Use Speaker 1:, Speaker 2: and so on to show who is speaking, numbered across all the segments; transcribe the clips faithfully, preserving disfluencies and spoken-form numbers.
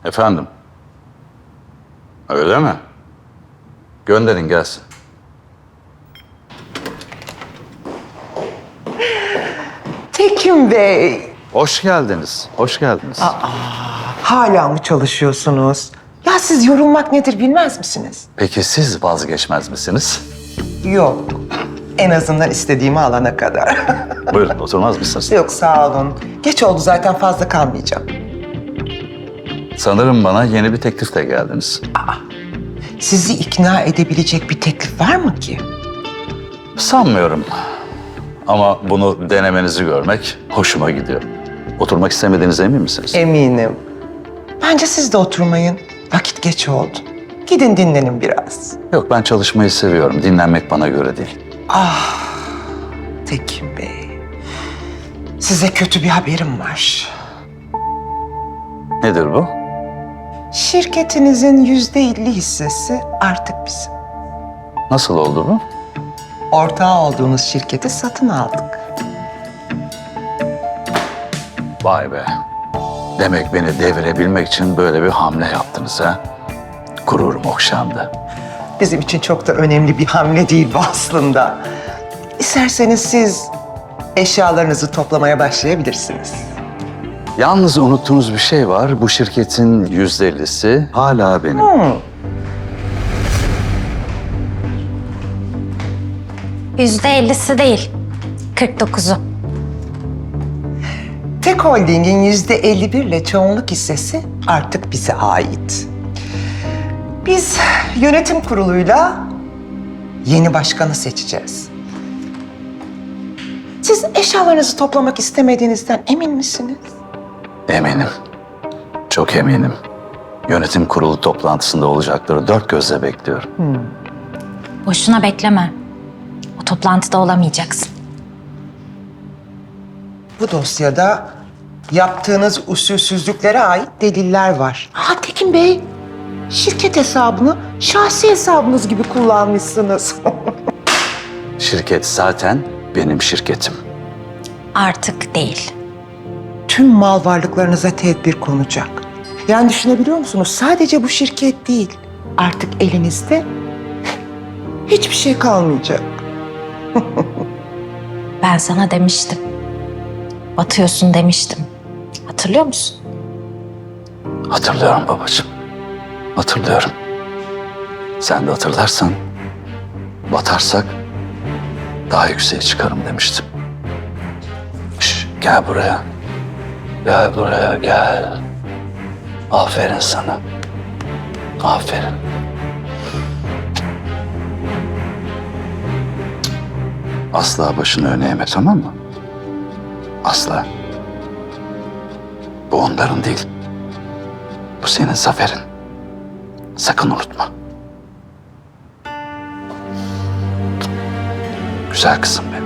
Speaker 1: Efendim? Öyle mi? Gönderin gelsin.
Speaker 2: Tekin Bey,
Speaker 1: Hoş geldiniz, hoş geldiniz.
Speaker 2: hala mı çalışıyorsunuz? Ya siz yorulmak nedir bilmez misiniz?
Speaker 1: Peki siz vazgeçmez misiniz?
Speaker 2: Yok, en azından istediğimi alana kadar.
Speaker 1: Buyurun, oturmaz mısınız?
Speaker 2: Yok sağ olun. Geç oldu zaten fazla kalmayacağım.
Speaker 1: Sanırım bana yeni bir teklifle geldiniz.
Speaker 2: Sizi ikna edebilecek bir teklif var mı ki?
Speaker 1: Sanmıyorum. Ama bunu denemenizi görmek hoşuma gidiyor. Oturmak istemediğinize emin misiniz?
Speaker 2: Eminim. Bence siz de oturmayın. Vakit geç oldu. Gidin dinlenin biraz.
Speaker 1: Yok, ben çalışmayı seviyorum. Dinlenmek bana göre değil.
Speaker 2: Tekin Bey, size kötü bir haberim var.
Speaker 1: Nedir bu?
Speaker 2: Şirketinizin yüzde elli hissesi artık bizim.
Speaker 1: Nasıl oldu bu?
Speaker 2: Ortağı olduğunuz şirketi satın aldık.
Speaker 1: Vay be. Demek beni devirebilmek için böyle bir hamle yaptınız ha? Gururum okşandı.
Speaker 2: Bizim için çok da önemli bir hamle değil bu aslında. İsterseniz siz eşyalarınızı toplamaya başlayabilirsiniz.
Speaker 1: Yalnız unuttuğunuz bir şey var. Bu şirketin yüzde ellisi hala benim.
Speaker 3: Yüzde ellisi değil, kırk dokuzu.
Speaker 2: Tek Holding'in yüzde elli bir ile çoğunluk hissesi artık bize ait. Biz yönetim kuruluyla yeni başkanı seçeceğiz. Siz eşyalarınızı toplamak istemediğinizden emin misiniz?
Speaker 1: Eminim. Çok eminim. Yönetim kurulu toplantısında olacakları dört gözle bekliyorum.
Speaker 3: Boşuna bekleme. O toplantıda olamayacaksın.
Speaker 2: Bu dosyada yaptığınız usulsüzlüklere ait deliller var. Ha Tekin Bey, şirket hesabını şahsi hesabınız gibi kullanmışsınız.
Speaker 1: Şirket zaten benim şirketim.
Speaker 3: Artık değil.
Speaker 2: Tüm mal varlıklarınıza tedbir konacak. Yani düşünebiliyor musunuz? Sadece bu şirket değil. Artık elinizde hiçbir şey kalmayacak.
Speaker 3: Ben sana demiştim. Batıyorsun demiştim. Hatırlıyor musun?
Speaker 1: Hatırlıyorum babacığım. Hatırlıyorum. Sen de hatırlarsan batarsak daha yükseğe çıkarım demiştim. Şş, gel buraya. Gel buraya gel. Aferin sana. Aferin. Asla başını öne eğme, tamam mı? Asla. Bu onların değil. Bu senin zaferin. Sakın unutma. Güzel kızım benim.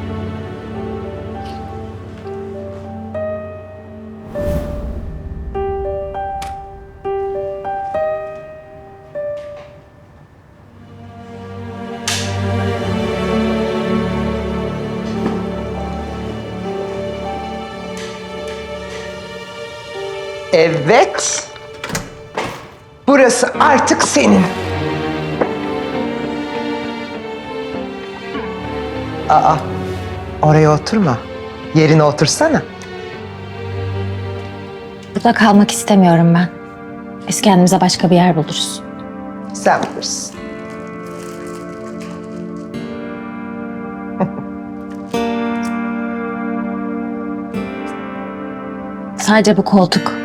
Speaker 2: Evet. Burası artık senin. Aa, oraya oturma. Yerine otursana.
Speaker 3: Burada kalmak istemiyorum ben. Biz kendimize başka bir yer buluruz.
Speaker 2: Sen bilirsin.
Speaker 3: Sadece bu koltuk.